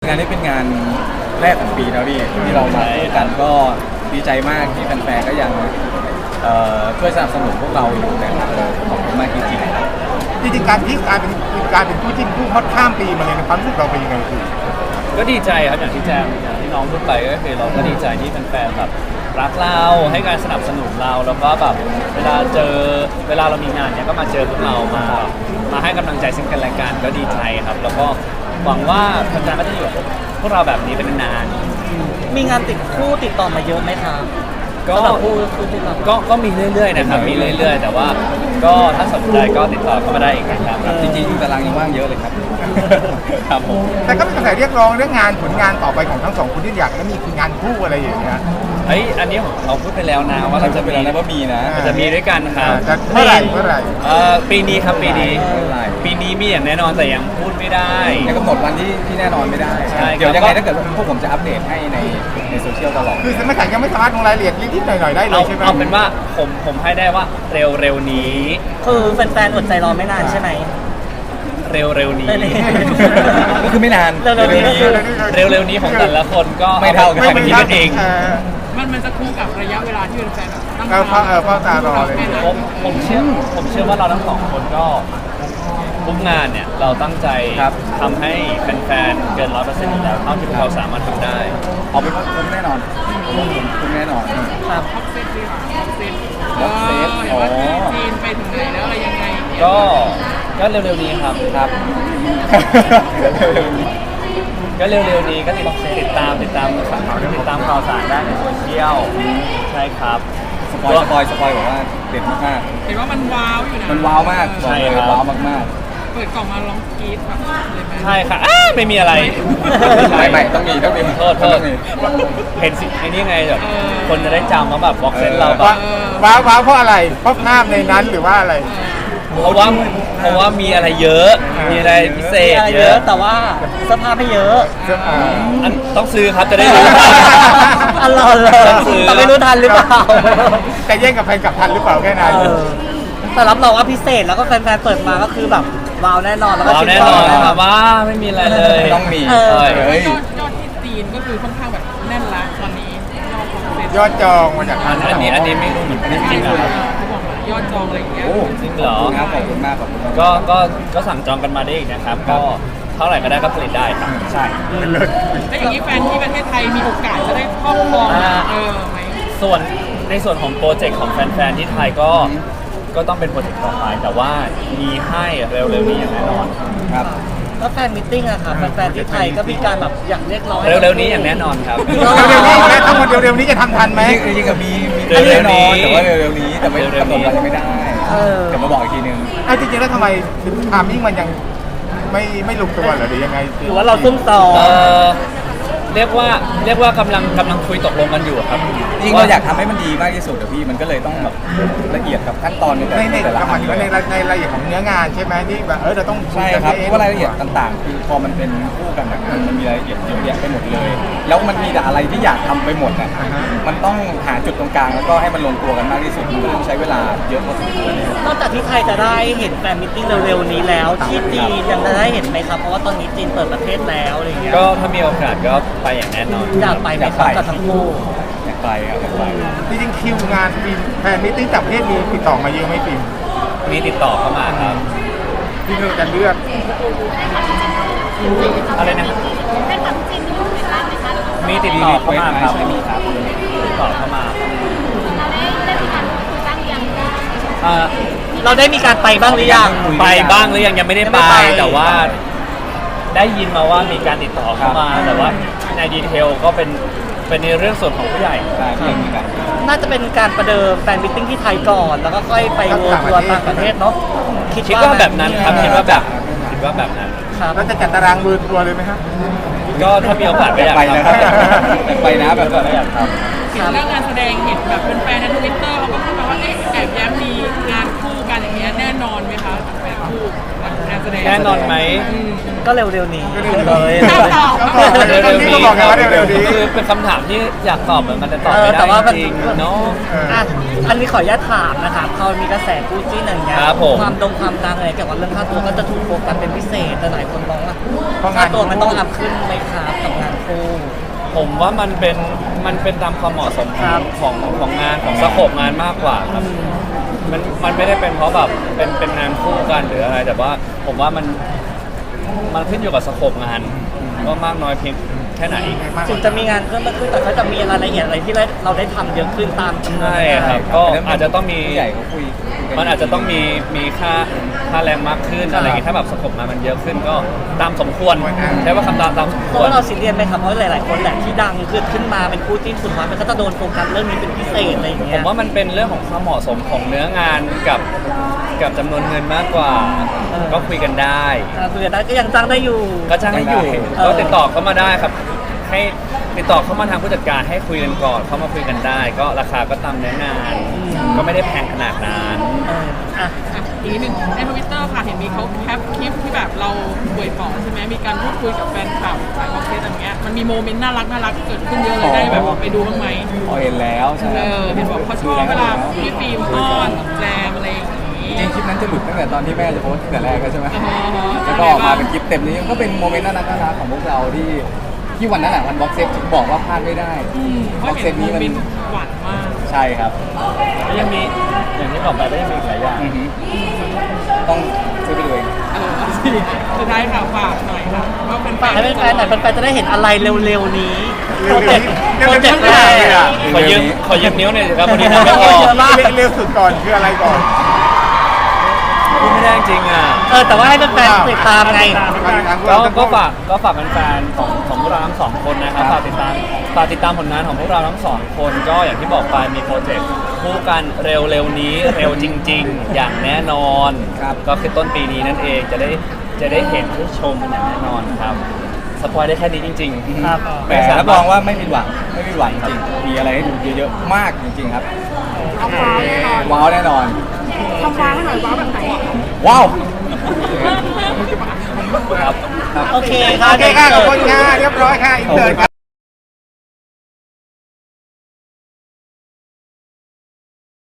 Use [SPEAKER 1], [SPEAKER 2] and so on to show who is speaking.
[SPEAKER 1] งานนี้เป็นงานแรกของปีนะพี่ที่เรามาคู่กันก็ดีใจมากที่แฟนๆก็ยังช่วยสนับสนุนพวกเราอยู่นะครับขอบคุณมากจริงๆครับ
[SPEAKER 2] จริงๆการที่การเป็นคู่จิ้นคู่ฮอตข้ามปีมาเลยในความรู้สึกเราเป็นยังไงคือ
[SPEAKER 3] ก็ดีใจครับอย่างที่แจมอย่างที่น้องพูดไปก็คือเราก็ดีใจที่แฟนๆแบบรักเราให้การสนับสนุนเราแล้วก็แบบเวลาเรามีงานเนี้ยก็มาเจอพวกเรามาให้กำลังใจซึ่งกันและกันก็ดีใจครับแล้วก็หวังว่าแฟนๆก็จะอยู่กับพวกเราแบบนี้เป็นนาน
[SPEAKER 4] มีงานติดต่อมาเยอะไหมครับ
[SPEAKER 3] ก็ก็มีเรื่อยๆนะครับมีเรื่อยๆแต่ว่าก็ถ้าสนใจก็ติดต่อเข้ามาได้อีกนะครับ
[SPEAKER 1] จริงๆตารางยังว่างเยอะเลยครับครับผม
[SPEAKER 2] แต่ก็มีกระแสเรียกร้องเรื่องงานผลงานต่อไปของทั้งสองคนที่อยากจะมีคืองานคู่อะไรอย่างเงี้ย
[SPEAKER 3] อันนี้เราพูดไปแล้วนะว่าเราจะ
[SPEAKER 1] เป็นอะไรว่ามีนะ
[SPEAKER 3] จะมีด้วยกันครับ
[SPEAKER 2] เมื่อไหร่
[SPEAKER 3] ปีนี้ครับปีนี้มีอย่างแน่นอนแต่ยังพูดไม่ได้
[SPEAKER 1] ยังกำหนดวันที่แน่นอนไม่ได้เดี๋ยวยังไงถ้าเกิดพวกผมจะอัปเดตให้ในโซเชียลตลอด
[SPEAKER 2] คือยังไม่สามารถลงรายละเอียดนิดๆหน่อยๆได้เลยใช่ไหม
[SPEAKER 3] เอาเป็นว่าผมให้ได้ว่าเร็วนี้
[SPEAKER 4] คือแฟนๆอดใจรอไม่นานใช่ไหม
[SPEAKER 3] เร็วนี้
[SPEAKER 1] ก็คือไม่นาน
[SPEAKER 3] เร็วนี้ของแต่ละคนก็
[SPEAKER 1] ไม่เท่ากัน
[SPEAKER 3] คิดกันเอง
[SPEAKER 5] มันจะคู่กับระยะเวลาที่แฟนๆตั้ง
[SPEAKER 2] เฝ้าตารอเลย
[SPEAKER 3] ผมเชื่อว่าเราทั้งสองคนก็ทุกงานเนี่ยเราตั้งใจทำให้แฟนๆเกิน 100% อยู่แล้วเท่าที่เราสามารถทำได้
[SPEAKER 1] เอาเป็นว่าคุ้มแน่นอนคุ้มแน่นอน
[SPEAKER 5] ครับท็อปเซตดีกว่าท็อปเซตเห็นว่าจีนไปถึงไหนแล้วอะไรยังไง
[SPEAKER 3] ก็เร็วๆนี้ครับก็เร็วๆนี้ก็ติดตามข่าวสารได้ในโซเชียลใช่ครับ
[SPEAKER 1] สปอยบอกว่าเด็ดมาก
[SPEAKER 5] เห็นว่ามันว้าวอยู่นะ
[SPEAKER 1] มันว้าวมาก
[SPEAKER 3] ใช่ครับ
[SPEAKER 1] ว้าวมาก
[SPEAKER 5] เปิดกล่องมาร้องกรี๊ดแบบเลยไหม
[SPEAKER 3] ใช่ค่ะไม่มีอะไร
[SPEAKER 1] ไม่ต้องมี
[SPEAKER 3] โทษเห็นสิไอ้นี่ไงแบบคนจะได้จำว่าแบบบ็อกเซตเราแบบ
[SPEAKER 2] ว้าวเพราะอะไรเพราะภาพในนั้นหรือว่าอะไร
[SPEAKER 3] เพราะว่ามีอะไรเยอะมีอะไรพิเศษ
[SPEAKER 4] เยอะแต่ว่าเสื้อผ้าไม่เยอะ
[SPEAKER 3] ต้องซื้อครับจะได้รู้
[SPEAKER 4] อร่อยเลยแต่ไม่รู้ทันหรือเปล่า
[SPEAKER 2] จะแย่งกับแฟนกับทันหรือเปล่าแค่นั้น
[SPEAKER 4] แต่รับรองว่าพิเศษแล้วก็แฟนๆเปิดมาก็คือแบบว้าวแน่นอนแล้วก็
[SPEAKER 3] แน่นอนครับว่าไม่มีอะไรเลย
[SPEAKER 1] ต้องมี
[SPEAKER 5] ยอดที่จีนก็คือค่อนข้างแบบแน่นละตอนนี้
[SPEAKER 2] ยอดจองมาจาก
[SPEAKER 3] อันนี้ไม่รู้เหมือนกันจริงๆ
[SPEAKER 5] ยอดจองอะไรอย่างเงี้ย
[SPEAKER 3] จริงเหรอ
[SPEAKER 1] ครับขอบคุณมาก
[SPEAKER 3] ก็สั่งจองกันมาได้อีกนะครับก็เท่าไหร่ก็ได้ก็ผลิตได้ครับ
[SPEAKER 1] ใช่
[SPEAKER 5] แล้วอย่างนี้แฟนที่ประเทศไทยมีโอกาสจะได้ครอบครองไหม
[SPEAKER 3] ในส่วนของโปรเจกต์ของแฟนๆที่ไทยก็ต้องเป็นโปรเจกต์ต่อไปแต่ว่ามีให้เร็วๆนี้อย่างแน่นอน
[SPEAKER 1] ครับ
[SPEAKER 4] แล้วแฟนมิทติ้งอะค่ะแฟนที่ไทยก็มีการแบบอยากเรียกร้อง
[SPEAKER 3] เร็วๆนี้อย่างแน่นอนครับ
[SPEAKER 2] เร็วๆนี้ทั้งหมดเร็วๆนี้จะทำทันไหม
[SPEAKER 1] จริงๆมีแน่นอนแต่ว่าเร็วๆนี้แต่ไม่กำหนดวันยังไม่ได้เดี๋ยวมาบอกอีกทีนึง
[SPEAKER 2] จริงๆแล้วทำไมทามมิ่งมันยังไม่ลงตัวหรือยังไง
[SPEAKER 4] หรือว่าเราซุ่มต่อ
[SPEAKER 3] เรียกว่ากำลังคุยตกลงกันอยู่ครับ
[SPEAKER 1] จริงเราอยากทำให้มันดีมากที่สุดพี่มันก็เลยต้องแบบละเอียดกับขั้นตอนในแต่ละ
[SPEAKER 2] ขั้นในรายละเอียดของเนื้องานใช่ไหมที่แบบเราต้อง
[SPEAKER 1] ใช่ครับเพราะว่ารายละเอียดต่างๆคือพอมันเป็นคู่กันมันมีรายละเอียดเยอะแยะไปหมดเลยแล้วมันมีแต่อะไรที่อยากทำไปหมดนะมันต้องหาจุดตรงกลางแล้วก็ให้มันลงตัวกันมากที่สุดมันต้องใช้เวลาเยอะพอสมควร
[SPEAKER 4] นอกจากที่ไทยจะได้เห็นแฟนมิทติ้งเร็วๆนี้แล้วที่จีนยังจะได้เห็นไหมครับเพราะว่าตอนนี้จีนเปิดประเทศแล้วอะไรอย่างเงี้ย
[SPEAKER 3] ก็ถ้ามีโอกาสก็ไปอย่างแน่นอน
[SPEAKER 4] อยากไปไหมครับกับทั้งคู่
[SPEAKER 1] อยากไปครับอยากไป
[SPEAKER 2] จริงๆคิวงานฟิล์มแฟนมิทติ้งต่างประเทศมีติดต่อมาเยอะไหมฟิล์ม
[SPEAKER 3] มีติดต่อเข้ามาครับ
[SPEAKER 2] ที่เราจะเลือก
[SPEAKER 3] อะไรนะมีติดต่อเข้ามาครับมีครับติดต่อเข้ามา
[SPEAKER 4] เราได้มีการไปบ้างหรือยัง
[SPEAKER 3] ไปบ้างหรือยังไม่ได้ไปแต่ว่าได้ยินมาว่ามีการติดต่อเข้ามาแต่ว่าในดีเทลก็เป็นในเรื่องส่วนของผู้ใหญ่
[SPEAKER 4] น่าจะเป็นการประเดิมแฟนมิทติ้งที่ไทยก่อนแล้วก็ค่อยไปเวิร์ทัวร์ต่างประเทศเนาะ
[SPEAKER 3] คิดว่าแบบนั้นครับคิดว่าแบบนั้น
[SPEAKER 2] แล้วจะจัดตารางเวิร์ทัวร์เลยไหมครับ
[SPEAKER 3] ก็ถ้ามีโอกาสไปอยาก
[SPEAKER 1] ไปนะครับไปนะแบบ
[SPEAKER 3] อยากท
[SPEAKER 5] ำเห็นเรื่องงานแสดงเห็นแบบเป็นแฟนในทวิตเตอร์เขาก็พูดมาว่าแอบแย้มมีงานคู่กันอย่างเงี้ยแน่นอนไหมคะแฟนคู่งานแสดง
[SPEAKER 3] แน่นอนไหม
[SPEAKER 4] ก็เร็วๆนี้
[SPEAKER 2] เร็วๆนี้
[SPEAKER 4] เลย
[SPEAKER 2] เร็วๆนี้ก็บอกไงว่าเร็วๆนี้
[SPEAKER 3] คือเป็นคำถามที่อยากตอบเหมือนมันจะตอบไม่
[SPEAKER 4] แต่ว่า
[SPEAKER 3] ได้
[SPEAKER 4] มัน
[SPEAKER 3] จริงๆเนาะ
[SPEAKER 4] อ่ะอันนี้ขออนุญาตถามนะคะพอมีกระแสคู่จิ้นอย่างเงี้ย
[SPEAKER 3] ครับผม
[SPEAKER 4] ความดังอะไรเกี่ยวกับเรื่องค่าตัวก็จะถูกโฟกัสเป็นพิเศษแต่หลายคนมองว่า
[SPEAKER 2] เพราะงาน
[SPEAKER 4] ค่าตัวมันต้องอัพขึ้นไหมครับกับงานคู่
[SPEAKER 3] ผมว่ามันเป็นตามความเหมาะสม
[SPEAKER 4] ครับ
[SPEAKER 3] ของงานของสโคปงานมากกว่าครับมันไม่ได้เป็นเพราะแบบเป็นงานคู่กันหรืออะไร แต่ว่าผมว่ามันขึ้นอยู่กับสโคปงานว่ามากน้อยเพียงแค่ไหน
[SPEAKER 4] ถึงจะมีงานเพิ่มมากขึ้นแต่ก็จะมีรายละเอียดอะไรที่เราได้ทำเยอะขึ้นตามจำนวน
[SPEAKER 3] ใช่ครับก็อาจจะต้องมี
[SPEAKER 1] ผู้ใหญ่เขาคุยกั
[SPEAKER 3] มันอาจจะต้องมีค่าแรงมากขึ้นอะไรอย่างงี้ถ้าแบบสโคปงานมันเยอะขึ้นก็ตามสมควรใช้ว่าคำตามสม
[SPEAKER 4] เพ
[SPEAKER 3] ค
[SPEAKER 4] ราะ
[SPEAKER 3] วร
[SPEAKER 4] ว่าเราซีเรียสไหมครับเพราะหลายๆคนแหละที่ดังขึ้นมาเป็นคู่จิ้นสุดท้ายมันก็จะโดนโฟกัสเรื่องนี้เป็นพิเศษอะไรอย่าง
[SPEAKER 3] ผ
[SPEAKER 4] เงี้ย
[SPEAKER 3] มว่ามันเป็นเรื่องของความเหมาะสมของเนื้องานกับจำนวนเงินมากกว่า ก็คุยกันได้
[SPEAKER 4] คุยกันได้ก็ยังจ้างได้อยู่
[SPEAKER 3] ก็จ้างให้อยู่
[SPEAKER 4] เออ
[SPEAKER 3] ก็ติดต่อเข้ามาได้ครับ ให้ติดต่อเข้ามาทางผู้จัดการให้คุยกันก่อนเข้ามาคุยกันได้ ก็ราคาก็ตามเนื้องาน ก็ไม่ได้แพงขนาดนั้น
[SPEAKER 4] อ่ะ
[SPEAKER 5] อ่ะอีกนิดนึงในทวิตเตอร์ค่ะเห็นมีเขาแคปคลิปที่แบบเราป่วยปอดใช่ไหมมีการพูดคุยกับแฟนคลับสายบ็อกเซตอย่างเงี้ยมันมีโมเมนต์น่ารักเกิดขึ้นเยอะเลยได้แบบไปดูบ้างไหม
[SPEAKER 1] พอเห็นแล้วใช่ไหม
[SPEAKER 5] เห็นบอกเขาชอบเวลาพี่ฟิล์มอ้อนแจมอะไรอย่างงี้
[SPEAKER 1] จริงๆคลิปนั้นจะหลุดตั้งแต่ตอนที่แม่จะโพสต์ตั้งแต่แรกแล้วใช่ไหม
[SPEAKER 5] อ๋อ
[SPEAKER 1] แล้วก็ออกมาเป็นคลิปเต็มนี้ก็เป็นโมเมนต์น่ารักของพวกเราที่วันนั้นแหละวันบ็อกเซตถึงบอกว่าพลาดไม่ได้
[SPEAKER 5] เพ
[SPEAKER 1] บ็
[SPEAKER 5] ราะ
[SPEAKER 1] อกเซ
[SPEAKER 5] เห็น
[SPEAKER 1] ต
[SPEAKER 5] โม
[SPEAKER 1] นี้มัน
[SPEAKER 5] เมนต์หวานมาก
[SPEAKER 1] ใช่ครับ
[SPEAKER 3] ก็ยังมีอย่างที่บอกไปก็ยังมีอีกหลายอย่าง
[SPEAKER 1] อือฮึต้องช่วยไปดูเอง
[SPEAKER 5] สุดท้ายค่ะฝากหน่อยค่ะว่าเป็นแฟน
[SPEAKER 4] ให้แฟนๆหน่อยแฟนๆจะได้เห็นอะไรเร็วๆนี้
[SPEAKER 2] เร็วๆนี้
[SPEAKER 4] โปรเจกต์
[SPEAKER 2] เร็วๆนี้เลยอะ
[SPEAKER 3] ขอยืมนิ้วหน่อยสิครับวันนี้ทำไม่พอ
[SPEAKER 4] เยอะมาก
[SPEAKER 2] เร็วสุดก่อนคืออะไรก่อน
[SPEAKER 3] พูดไม่ได้จริงอ่ะ
[SPEAKER 4] แต่ว่าให้แฟนๆติดตามไง
[SPEAKER 3] ก็ฝากแฟนๆของพวกเราทั้งสองคนนะครับฝากติดตามผลงานของพวกเราทั้งสองคนก็อย่างที่บอกไปมีโปรเจกต์คู่กันเร็วๆนี้เร็วจริง ๆ อย่างแน่นอน
[SPEAKER 1] ครับ
[SPEAKER 3] ก็คือต้นปีนี้นั่นเองจะได้เห็นได้ชมกันอย่างแน่นอนครับสปอยได้แค่นี้จริงๆ
[SPEAKER 4] ครับ
[SPEAKER 1] แต่รับรองว่าไม่ผิดหวังจริงมีอะไรให้ดูเยอะๆมากจริงๆครับว้าวแน่นอนทำว้าวให้หน่อยว้าวแบบไหนว้าวครับ
[SPEAKER 4] โอเค
[SPEAKER 2] โอเคค่ะขอบคุณค่ะเรียบร้อยค่ะอินเตอร์